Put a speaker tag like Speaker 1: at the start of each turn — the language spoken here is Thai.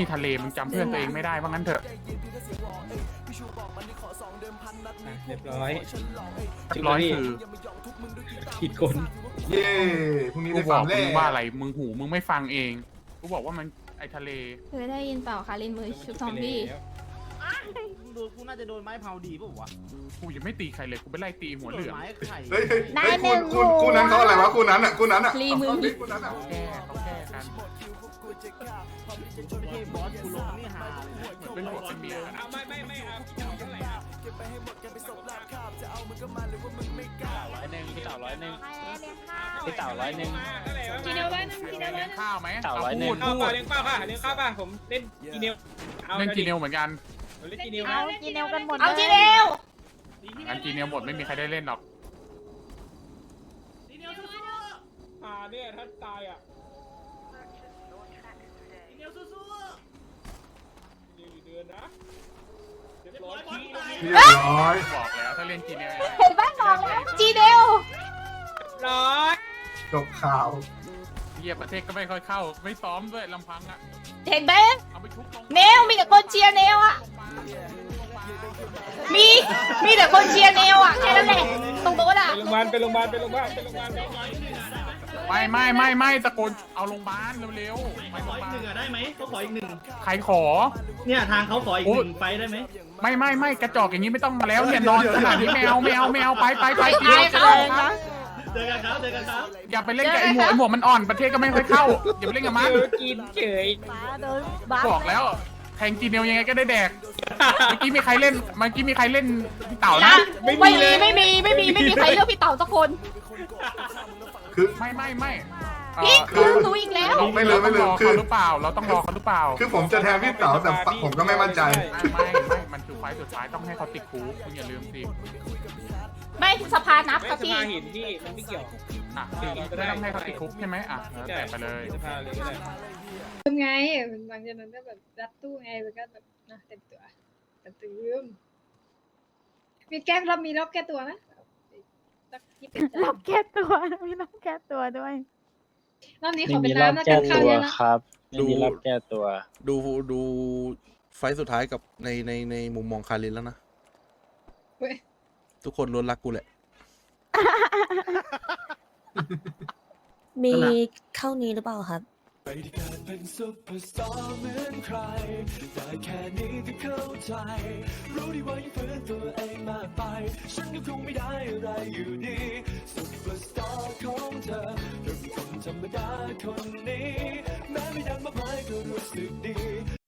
Speaker 1: นี่ทะเลมึงจำเพื่อนตัวเองไม่ได้ว่างั้นเถอะ
Speaker 2: เรียบร้อย
Speaker 1: ร้อยคือ
Speaker 2: ผิดคน
Speaker 3: เย้พรุ่งนี้
Speaker 1: กู
Speaker 3: ได้
Speaker 1: บ
Speaker 3: ฟั
Speaker 1: อง ก
Speaker 3: แล้
Speaker 1: มึงว่าอะไรมึงหูมึงไม่ฟังเองกูบอกว่ามันไอทะเล
Speaker 4: เคยได้ยินเปล่าคะลินมือชุบซอมบี้
Speaker 5: โดนกูน่าจะโดนไม้เผาดีป่ะวะ
Speaker 1: กูยังไม่ตีใครเลยกูไปไล่ตีหัวเหลือง
Speaker 5: ไม้ไข่
Speaker 3: เฮ้ยคู่นั้นเขาอะไรวะคู่นั้นอ่ะคู่นั้นอ่ะ
Speaker 4: รีมือ
Speaker 3: คู่นั้นอ่ะ
Speaker 1: แก้เขาแก้กัน
Speaker 5: ไม่ใช่บอสกูลงนี่หา
Speaker 1: เหมือนเป็นผัวเป็นเมียกันอะ
Speaker 2: ไม่ครับเท่าไหร่ครับ
Speaker 6: พี่เต่า100พี่เต่า100
Speaker 2: กินเนล100
Speaker 1: เลี้ยงข้าวไหม
Speaker 6: เต่าร้อย
Speaker 1: พูด
Speaker 2: ข้าว
Speaker 1: พู
Speaker 2: ป่ะ
Speaker 1: ด
Speaker 2: เลี้ยงข้าวป่ะเลี้ยงข้าวป่ะผมเล่นกินเนล
Speaker 1: เล่นกีเนลเหมือนกัน
Speaker 2: เล่นกินเนล
Speaker 7: เอากินเนวกันหมด
Speaker 4: เอาจีเนล
Speaker 1: งั้นกีเนลหมดไม่มีใครได้เล่นหรอก
Speaker 2: เนี่ยถ้าตายอ่ะเดือนนะเรียบร้อยขี้
Speaker 3: เรียบร้อย
Speaker 1: บอกแล้วถ้าเล่นกีเนล
Speaker 4: เห็นบ้านบอกแล้วจีเนล
Speaker 2: ร้อย
Speaker 3: จบข่าว
Speaker 1: เยียประเทศก็ไม่ค่อยเข้าไม่ซ้อมด้วยลำพังอะ
Speaker 4: เห็นไหม
Speaker 1: เอาไปชุบลง
Speaker 4: เนลมีแต่คนเชียร์เนลอะมีแต่คนเชียร์เนลอะแค่นั้นแหละตรงโต๊ะอะ
Speaker 2: ไปโรงพยาบาล
Speaker 1: ไม่ตะโกนเอาโรงพยาบาลเร็วๆไป
Speaker 5: ข
Speaker 1: โร
Speaker 5: อง
Speaker 1: พ
Speaker 5: อี
Speaker 1: ยาก บาล
Speaker 5: หนึ่งอ่ะได้ไหมเขาขออีกหนึ่ง
Speaker 1: ใครขอ
Speaker 5: เนี่ยทางเขาขออีกหนึ่งไฟได้ไหม
Speaker 1: ไม่กระจอกอย่างนี้ไม่ต้องมาแล้วเนี่ยนอนขนาดนี้แมวไปกีเนล
Speaker 5: เจอกันครับเจอกันครับ
Speaker 1: อย่าไปเล่นกับไอหมวกมันอ่อนประเทศก็ไม่ค่อยเข้าอย่าไปเล่นกับมัน
Speaker 2: กินเฉย
Speaker 7: ป้าโดนบ้า
Speaker 1: บอกแล้วแทงกีเนลยังไงก็ได้แดกเมื่อกี้มีใครเล่นพี่เต่านะ
Speaker 4: ไม่มีใครเลือกพี่เต๋าสักคน
Speaker 3: คือ
Speaker 1: ไม่
Speaker 4: พี่คือหนูอีกแล้ว
Speaker 3: ไม่ลืม
Speaker 1: เราต้องรอ
Speaker 3: คือ
Speaker 1: เขาหรือเปล่าเราต้องรอเขาหรือเปล่า
Speaker 3: คือผมจะแทนพี่เต๋าแต่ผมก็ไม่มั่นใจ
Speaker 1: ไม่มันคือไฟล์สุดท้ายต้องให้เขาติดคุกคุณอย่าลืมสิ
Speaker 4: ไม่สภานับ
Speaker 2: ไม่
Speaker 4: ครับ
Speaker 2: ส
Speaker 4: พี่
Speaker 2: ภาหินพี่มันไม่เกี่ยว
Speaker 1: อ่ะไม่ต้องให้เขาติดคุกใช่ไหมอ่ะแล้วแต่ไปเลย
Speaker 2: สภาเลยก็ได้
Speaker 7: ทำไงหลังจากนั้นก็แบบรัดตู้ไงมันก็แบบนะเต็มตัวแต่ตื่มมีแก้รอบมีรอบแก้ตัวนะสัก20
Speaker 8: รอบแก้ตัวมีรอบแก้ตัวด้วย
Speaker 7: รอบนี้ข
Speaker 6: ไม่
Speaker 7: อเป็
Speaker 6: มี
Speaker 7: น
Speaker 6: รอบ
Speaker 7: น้ำนะ
Speaker 6: แก้
Speaker 7: กันข้าว
Speaker 6: ตัว
Speaker 7: เยอะนะ
Speaker 6: ครับไม่มีรอบแก้ตัว
Speaker 9: ดูไฟท์สุดท้ายกับในมุมมองคารินแล้วนะ
Speaker 7: เว้ย
Speaker 9: ทุกคนล้วนรักกูแหละ
Speaker 8: มีเข้านี้หรือเปล่าครับ
Speaker 10: ไม่ได้เกิดเป็นซุปเปอร์สตาร์เหมือนใครแต่แค่นี้ก็เข้าใจ รู้ดีว่ายังฝืนตัวเองมากไป ฉันก็คงไม่ได้อะไรอยู่ดีซุปเปอร์สตาร์ของเธอเธอเป็นคนธรรมดาคนนี้ แม้ไม่ดังมากมายก็รู้สึกดี